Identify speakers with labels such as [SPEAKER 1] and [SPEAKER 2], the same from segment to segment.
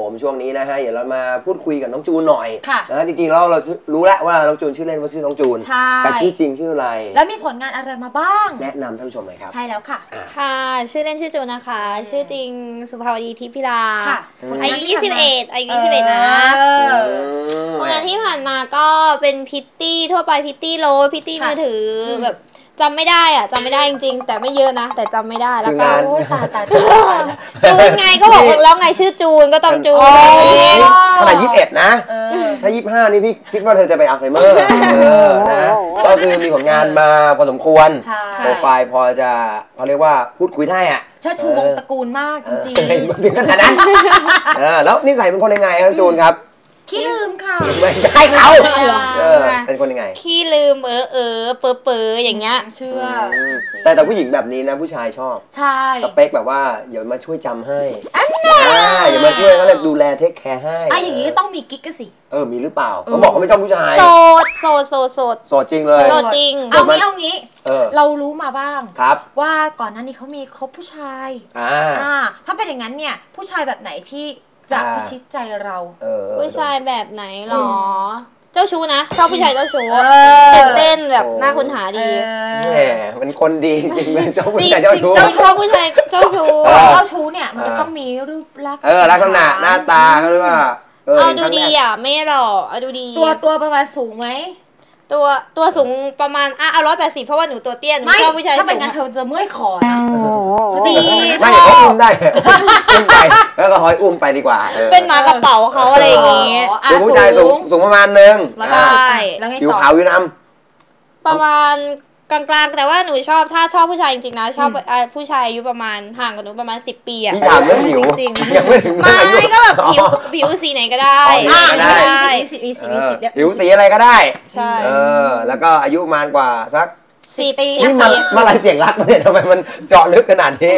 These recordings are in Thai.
[SPEAKER 1] ผมช่วงนี้นะฮะเดี๋ยวเรามาพูดคุยกับน้องจูนหน่อย
[SPEAKER 2] ค่ะ
[SPEAKER 1] นะจริงๆแล้วเรารู้แล้วว่าน้องจูนชื่อเล่นว่าชื่อน้องจูนแต่ชื่อจริงชื่ออะไร
[SPEAKER 2] แล้วมีผลงานอะไรมาบ้าง
[SPEAKER 1] แนะนำท่านผู้ชมหน่อยครับ
[SPEAKER 2] ใช่แล้วค่ะ
[SPEAKER 3] ค่ะชื่อเล่นชื่อจูนนะคะชื่อจริงสุภาวดีทิพย์พิลาอายุ21อายุ21นะผลงานที่ผ่านมาก็เป็นพิตตี้ทั่วไปพิตตี้โรสพิตตี้มือถือแบบจำไม่ได้จำไม่ได้จริงๆแต่ไม่เยอะนะแต่จำไม่ได้แล้วก็จูนไงก็บอกแล้วไงชื่อจูนก็ต้องจูน
[SPEAKER 1] ขนาด21นะถ้า25นี่พี่คิดว่าเธอจะไปอัลไซเมอร์นะก็คือมีผลงานมาพอสมควรโปรไฟล์พอจะเขาเรียกว่าพูดคุยได้อะ
[SPEAKER 2] เชิดชูวงตระกูลมากจริง
[SPEAKER 1] ๆถึงขนาดนั้นแล้วนิสัยเป็นคนยังไงครับจูนครับ
[SPEAKER 2] ขี้ลืมค่ะ
[SPEAKER 1] ไม่ใช่เขาเป็นคนยังไง
[SPEAKER 3] ขี้ลืมเปออย่างเงี้ย
[SPEAKER 2] เชื่อ
[SPEAKER 1] แต่ผู้หญิงแบบนี้นะผู้ชายชอบ
[SPEAKER 2] ใช่
[SPEAKER 1] สเปคแบบว่าเดี๋ยวมาช่วยจำให้อย่ามาช่วยเขาเลยดูแลเทคแคร์ให้
[SPEAKER 2] อย่างนี้ต้องมีกิ๊กกันสิ
[SPEAKER 1] มีหรือเปล่าเขาบอกเขาไม่ชอบผู้ชาย
[SPEAKER 3] โสด
[SPEAKER 1] จริงเลย
[SPEAKER 3] โสดจริง
[SPEAKER 2] เอางี้เรารู้มาบ้าง
[SPEAKER 1] ครับ
[SPEAKER 2] ว่าก่อนหน้านี้เขามีคบผู้ชายถ้าเป็นอย่างนั้นเนี่ยผู้ชายแบบไหนที่จะพิชิตใจเรา
[SPEAKER 3] ผู้ชายแบบไหนหรอเจ้าชู้นะชอบผู้ชายเจ้าชู้ตื่นเต้นแบบน่าค้นหาดี
[SPEAKER 1] แหมมันคนดีจริงเลยเจ้าผู้ชายเจ้าชู้
[SPEAKER 3] ชอบผู้ชายเจ้าชู้
[SPEAKER 2] เนี่ยมันจะต้องมีรูปลักษณ์
[SPEAKER 1] ลักษณะหน้าตาเขาเรียกว่า
[SPEAKER 3] ดูดีไม่หรอดูดี
[SPEAKER 2] ตัวประมาณสูงไหม
[SPEAKER 3] ตัวสูงประมาณ180เพราะว่าหนูตัวเตี้ยหนูชอบผู้ชาย
[SPEAKER 2] ถ้าเป็นงั้นเธอจะเมื่อยคอนะ
[SPEAKER 3] ดี
[SPEAKER 1] ชอบเขาอุ้มได้อุ้มไปแล้วก็หอยอุ้มไปดีกว่า
[SPEAKER 3] เป็นหมากระเป๋าเขาอะไรอย่างเงี้ย
[SPEAKER 1] ผู้ชายสูงประมาณนึง
[SPEAKER 3] ใช่
[SPEAKER 1] ผิวขาวผิวด
[SPEAKER 3] ำประมาณกลางๆแต่ว่าหนูชอบถ้าชอบผู้ชายจริงๆนะชอบผู้ชายอายุประมาณห่างกับหนูประมาณ10 ปี
[SPEAKER 1] พี่ถามเรื่องผิว
[SPEAKER 3] จริงไม่ก็แบบผิวสีไหนก็ได้
[SPEAKER 1] ผิวสีอะไรก็ได้
[SPEAKER 3] ใช่
[SPEAKER 1] แล้วก็อายุประมาณกว่าสัก
[SPEAKER 3] 4 ปี
[SPEAKER 1] นี่มาอะไรเสียงรักมาเนี่ยทำไมมันเจาะลึกขนาดนี้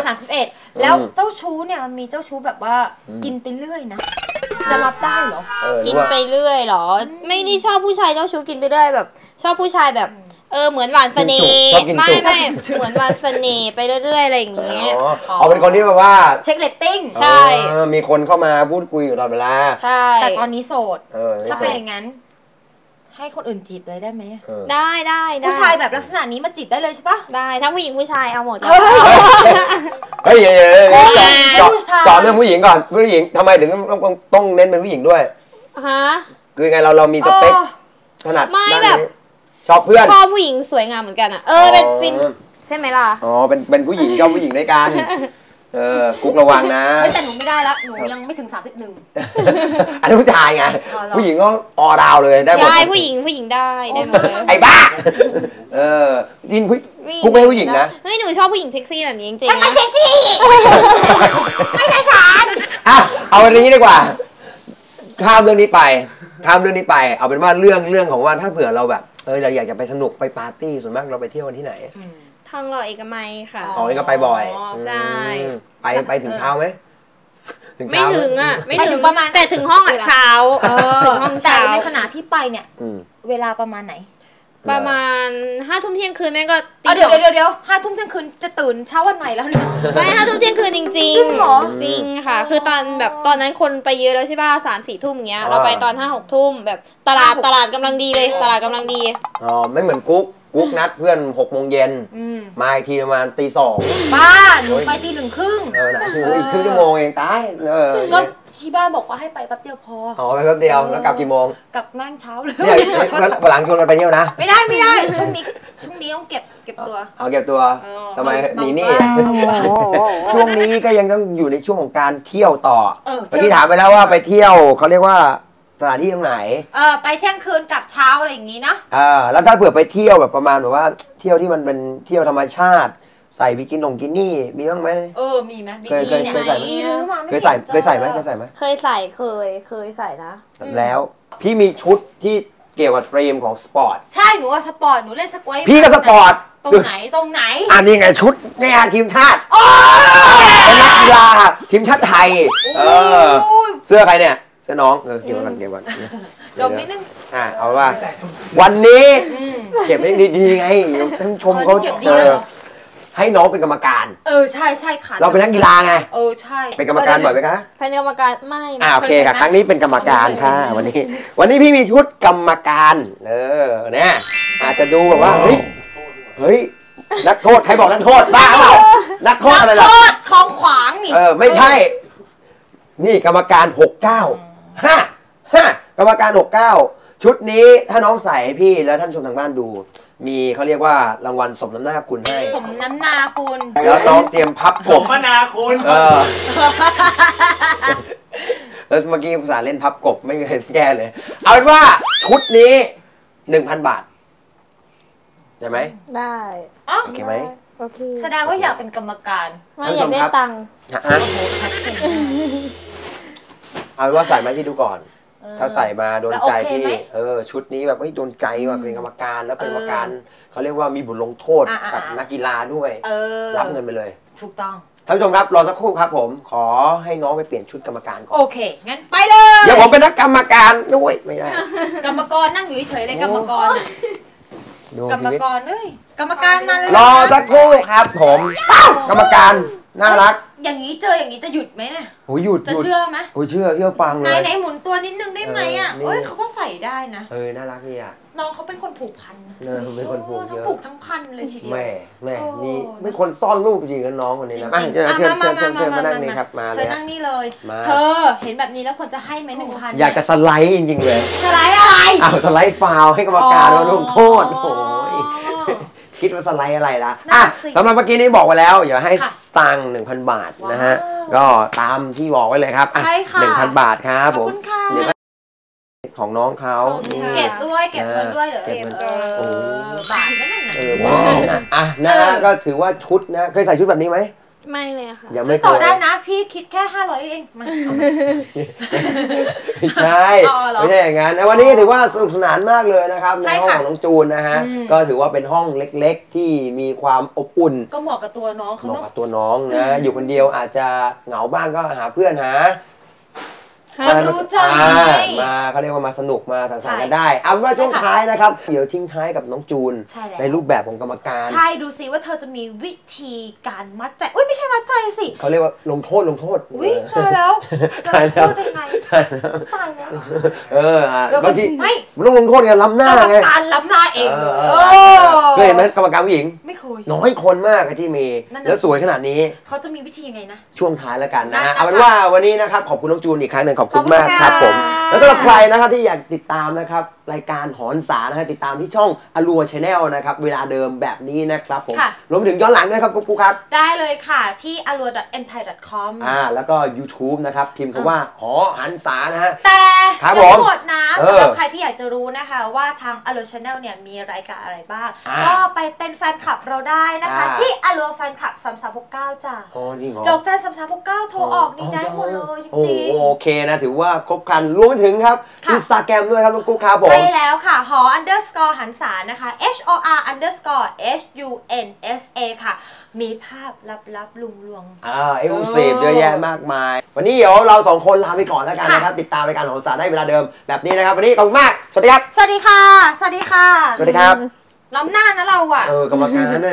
[SPEAKER 2] 31แล้วเจ้าชู้เนี่ยมันมีเจ้าชู้แบบว่ากินไปเรื่อยนะจะรับได้เหรอ
[SPEAKER 3] กินไปเรื่อยเหรอไม่ได้ชอบผู้ชายเจ้าชู้กินไปเรื่อยแบบชอบผู้ชายแบบเหมือนหวานเสน่ห์ไม่เหมือนหวานเสน่ห์ไปเรื่อยๆอะไรอย่างเงี้ย
[SPEAKER 1] เป็นคนที่แบบว่า
[SPEAKER 2] เช็คเรตติ้ง
[SPEAKER 3] ใช่
[SPEAKER 1] มีคนเข้ามาพูดคุยอยู่ตลอดเวลา
[SPEAKER 3] ใช่
[SPEAKER 2] แต่ตอนนี้โสดถ้าเป็นอย่างนั้นให้คนอื่นจีบเลยได้ไหม
[SPEAKER 3] ได้
[SPEAKER 2] ผู้ชายแบบลักษณะนี้มาจีบได้เลยใช่ปะ
[SPEAKER 3] ได้ทั้งผู้หญิงผู้ชายเอาหมด
[SPEAKER 1] เฮ้ยจอดเรื่องผู้หญิงก่อนผู้หญิงทำไมถึงต้องเน้นเป็นผู้หญิงด้วยคือไงเรามีสเปคถนัด
[SPEAKER 3] ไม่แบบ
[SPEAKER 1] ชอบเพื่อน
[SPEAKER 3] ชอบผู้หญิงสวยงามเหมือนกันเป็นใช่ไหมล่ะ
[SPEAKER 1] เป็นผู้หญิงชอบผู้หญิงด้วยกันกุ๊กระวังนะ
[SPEAKER 2] แต่หนูไม่ได้แล้วหนูยังไม่ถึง31
[SPEAKER 1] อันนี้ผู้ชายไงผู้หญิงก็ออดาวเลยได้หมด
[SPEAKER 3] ใช่ผู้หญิงได้หมด
[SPEAKER 1] ไอ้บ้ายินกุ๊กไม่ผู้หญิงนะ
[SPEAKER 3] เฮ้ยหนูชอบผู้หญิงเซ็กซี่แบบนี้จริงๆ
[SPEAKER 2] ไม่เซ็กซี่ไม่ใช่ฉัน
[SPEAKER 1] เอาเรื่องนี้ดีกว่าข้ามเรื่องนี้ไปเอาเป็นว่าเรื่องของว่าถ้าเผื่อเราแบบเราอยากจะไปสนุกไปปาร์ตี้ส่วนมากเราไปเที่ยวกันที่ไหน
[SPEAKER 3] ทองหล่อเอกมัยค่ะ
[SPEAKER 1] นี่ก็ไปบ่อย
[SPEAKER 3] ใช่
[SPEAKER 1] ไปถึงเช้าไหม
[SPEAKER 3] ไม่ถึงไม่ถึงประมาณแต่ถึงห้องเช้าถึงห้องเช้า
[SPEAKER 2] ในขณะที่ไปเนี่ยเวลาประมาณไหน
[SPEAKER 3] ประมาณ5 ทุ่มเที่ยงคืนแม่ก็
[SPEAKER 2] เดี๋ยว5 ทุ่มเที่ยงคืนจะตื่นเช้าวันใหม่แล้วเนี่ย
[SPEAKER 3] ไม่5 ทุ่มเที่ยงคืนจริง
[SPEAKER 2] จริงเหรอ
[SPEAKER 3] จริงค่ะคือตอนนั้นคนไปเยอะแล้วใช่ป่ะ3-4 ทุ่มอย่างเงี้ยเราไปตอน5-6 ทุ่มแบบตลาดกำลังดีเลยตลาดกำลังดี
[SPEAKER 1] ไม่เหมือนกุ๊กนัดเพื่อน6 โมงเย็นมาอีกทีประมาณตี 2
[SPEAKER 2] บ้าหนูไปตี 1 ครึ่ง
[SPEAKER 1] อีกครึ่งชั่วโมงเองตาย
[SPEAKER 2] ก็ที่บ้านบอกว่าให้ไปแป๊บเดียวพอ
[SPEAKER 1] ไปแป๊บเดียวแล้วกลับกี่โมง
[SPEAKER 2] กลับแม่งเช้าเลย
[SPEAKER 1] หลังชวนกันไปเที่ยวนะ
[SPEAKER 2] ไม่ได้ช่วงนี้ต้องเก็บตัว
[SPEAKER 1] เก็บตัวทำไมหนีนี่ช่วงนี้ก็ยังต้องอยู่ในช่วงของการเที่ยวต่อเมื่อกี้ถามไปแล้วว่าไปเที่ยวเขาเรียกว่าสถานที่ตรงไหน
[SPEAKER 2] ไปเที่ยงคืนกับเช้าอะไรอย่างนี้นะ
[SPEAKER 1] แล้วถ้าเผื่อไปเที่ยวแบบประมาณแบบว่าเที่ยวที่มันเป็นเที่ยวธรรมชาติใส่บิกินี่มีบ้างไหม
[SPEAKER 2] มีไหม
[SPEAKER 1] เคยใส่ไหมเคยใส่ไหมเคยใส่
[SPEAKER 3] นะ
[SPEAKER 1] แล้วพี่มีชุดที่เกี่ยวกับธีมของสปอร์ต
[SPEAKER 2] ใช่หนูว่าสปอร์ตหนูเล่นสควอต
[SPEAKER 1] พี่ก็สปอร์ต
[SPEAKER 2] ตรงไหน
[SPEAKER 1] นี่ไงชุดในงานทีมชาติเป็นนักกีฬาทีมชาติไทยเสื้อใครเนี่ยเสื้อน้องเก็บก่อน
[SPEAKER 2] ดมนิดนึง
[SPEAKER 1] เอาว่าวันนี้เก็บได้ดีๆไงท่านชมเขาให้น้องเป็นกรรมการ
[SPEAKER 2] ใช่ใช่ค่ะ
[SPEAKER 1] เราเป็นนักกีฬาไง
[SPEAKER 2] ใช่
[SPEAKER 1] เป็นกรรมการบ่อยไหมคะ
[SPEAKER 3] เป็นกรรมการไม่
[SPEAKER 1] โอเคค่ะครั้งนี้เป็นกรรมการค่ะวันนี้พี่มีชุดกรรมการเนี่ยอาจจะดูแบบว่าเฮ้ยนักโทษใครบอกนักโทษบ้าเปล่านักโทษอะไรล่ะ
[SPEAKER 2] นักโทษของขวางนี่
[SPEAKER 1] ไม่ใช่นี่กรรมการ69กรรมการ69ชุดนี้ถ้าน้องใส่ให้พี่แล้วท่านชมทางบ้านดูมีเขาเรียกว่ารางวัลสมน้ำหน้าคุณให้
[SPEAKER 2] สมน้ำหน้าคุณ
[SPEAKER 1] แล้วน้องเตรียมพับกบ
[SPEAKER 4] สมนาคุณ
[SPEAKER 1] แล้วเมื่อกี้ภาษาเล่นพับกบไม่มีใครแก้เลยเอาเป็นว่าชุดนี้ 1,000 บาทใช่ไหม
[SPEAKER 3] ได้
[SPEAKER 1] โอเคไหม
[SPEAKER 3] โอเค
[SPEAKER 2] แสดงว่าอยากเป็นกรรมการ
[SPEAKER 3] ไม่อยากได้ตังค์
[SPEAKER 1] เอาเป็นว่าใส่มาที่ดูก่อนถ้าใส่มาโดนใจที่ชุดนี้แบบโดนใจว่าเป็นกรรมการแล้วเป็นกรรมการเขาเรียกว่ามีบทลงโทษกับนักกีฬาด้วยรับเงินไปเลย
[SPEAKER 2] ถูกต้อง
[SPEAKER 1] ท่านผู้ชมครับรอสักครู่ครับผมขอให้น้องไปเปลี่ยนชุดกรรมการก่อน
[SPEAKER 2] โอเคงั้นไปเลย
[SPEAKER 1] เดี๋ยวผมเป็นนักกรรมการด้วยไม่ได้
[SPEAKER 2] กรรมกรนั่งอยู่เฉยเลยกรรมกรกรรมกรกรรมการมาเลย
[SPEAKER 1] รอสักครู่ครับผมกรรมการน่ารัก
[SPEAKER 2] อย่างนี้เจออย่างนี้จะหยุดไหมเนี่ย
[SPEAKER 1] หยุด
[SPEAKER 2] จะเชื่อไหม
[SPEAKER 1] เชื่อฟังเลย
[SPEAKER 2] ไหนหมุนตัวนิดนึงได้ไหมเขาก็ใส่ได้นะ
[SPEAKER 1] น่ารักนี่อ่ะ
[SPEAKER 2] น้องเขาเป็นคนผูกพัน
[SPEAKER 1] เป็นคนผูกเยอะ
[SPEAKER 2] ทั้งผูกทั้งพันเลยทีเดียว
[SPEAKER 1] แม่มีเป็นคนซ่อนรูปจริงกันน้องคนนี้นะเชิญมานั่งนี่ครับมาเลย
[SPEAKER 2] เชิญนั่งนี่เลยเธอเห็นแบบนี้แล้วควรจะให้ไหม1,000
[SPEAKER 1] อยากจะสไลด์จริงๆเลย
[SPEAKER 2] สไลด์อะไร
[SPEAKER 1] สไลด์ฟาวให้กรรมการมาลงโทษโอ้ยคิดว่าสไลด์อะไรล่ะสำหรับเมื่อกี้นี้บอกไว้แล้วอย่าให้ตังค์ 1,000 บาทนะฮะก็ตามที่บอกไว้เลยครับ1,000 บาทครับผมของน้องเขา
[SPEAKER 2] เก็บด้วยเก็บเงินด้วยเหรอบาทนั่นน่ะ
[SPEAKER 1] นะก็ถือว่าชุดนะเคยใส่ชุดแบบนี้ไหม
[SPEAKER 3] ไม่เลยค่ะ
[SPEAKER 1] ยังไม่
[SPEAKER 2] ต่อได้นะพี่คิดแค่500เอง
[SPEAKER 1] ไม่ใช่ไม่ใช่อย่างนั้นวันนี้ถือว่าสนุกสนานมากเลยนะครับในห้องของน้องจูนนะฮะก็ถือว่าเป็นห้องเล็กๆที่มีความอบอุ่น
[SPEAKER 2] ก็เหมาะกับตัวน้องเขา
[SPEAKER 1] เหมาะกับตัวน้องนะอยู่คนเดียวอาจจะเหงาบ้างก็หาเพื่อนหา
[SPEAKER 2] รู้ใจ
[SPEAKER 1] มาเขาเรียกว่ามาสนุกมาสังสรรค์กันได้เอาว่าช่วงท้ายนะครับเดี๋ยวทิ้งท้ายกับน้องจูนในรูปแบบของกรรมการ
[SPEAKER 2] ใช่ดูซิว่าเธอจะมีวิธีการมัดใจอุ้ยไม่ใช่มัดใจสิ
[SPEAKER 1] เขาเรียกว่าลงโทษ
[SPEAKER 2] อุ้ยเจอแล้ว
[SPEAKER 1] ตายแล้ว
[SPEAKER 2] ตาย
[SPEAKER 1] แล้วบางทีไม่ต้องลงโทษไงล้ำหน้าไง
[SPEAKER 2] การล้ำหน้าเอง
[SPEAKER 1] เคยเห็นไหมกรรมการผู้หญิง
[SPEAKER 2] ไม่เคย
[SPEAKER 1] น้อยคนมากที่มีแล้วสวยขนาดนี้
[SPEAKER 2] เขาจะมีวิธียังไงนะ
[SPEAKER 1] ช่วงท้ายแล้วกันนะเอาเป็นว่าวันนี้นะครับขอบคุณน้องจูนอีกครั้งหนึ่งขอบคุณมากครับผมแล้วสำหรับใครนะครับที่อยากติดตามนะครับรายการหอนสานะฮะติดตามที่ช่องอลัวชาแนลนะครับเวลาเดิมแบบนี้นะครับผมรวมถึงย้อนหลังด้วยครับกุ๊กครับ
[SPEAKER 2] ได้เลยค่ะที่ alua.enthai.com
[SPEAKER 1] แล้วก็ YouTube นะครับพิมพ์คำว่าหอหันษานะฮะ
[SPEAKER 2] แต่ทั้งหมดนะสำหรับใครที่อยากจะรู้นะคะว่าทาง Alua Channel เนี่ยมีรายการอะไรบ้างก็ไปเป็นแฟนคลับเราได้นะคะที่ Alua Fan Club 3369จ้ะดอกจัน3369โทรออกนี่ได้หมดเลยจริง
[SPEAKER 1] ๆโอเคนะถือว่าครบครันรวมถึงครับ Instagram ด้วยครับกุ๊กครับผม
[SPEAKER 2] ใช่แล้วค่ะหอ _ หันษานะคะ HOR _ HUNSA ค่ะมีภาพลับๆลุงลวง
[SPEAKER 1] เอ็กซ์คลูซีฟเยอะแยะมากมายวันนี้เดี๋ยวเรา2คนลาไปก่อนแล้วกันนะครับติดตามรายการหอนสาได้เวลาเดิมแบบนี้นะครับวันนี้ขอบคุณมากสวัสดีครับ
[SPEAKER 2] สวัสดีค่ะสวัสดีค่ะ
[SPEAKER 1] สวัสดีครับ
[SPEAKER 2] ล้ำหน้านะเราอ่ะ
[SPEAKER 1] กรรมการเนี่ย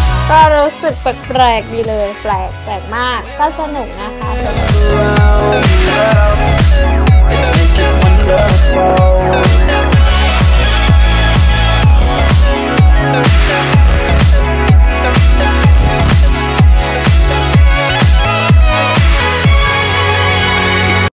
[SPEAKER 3] แปลกๆดีเลยแปลกมากก็สนุกนะคะ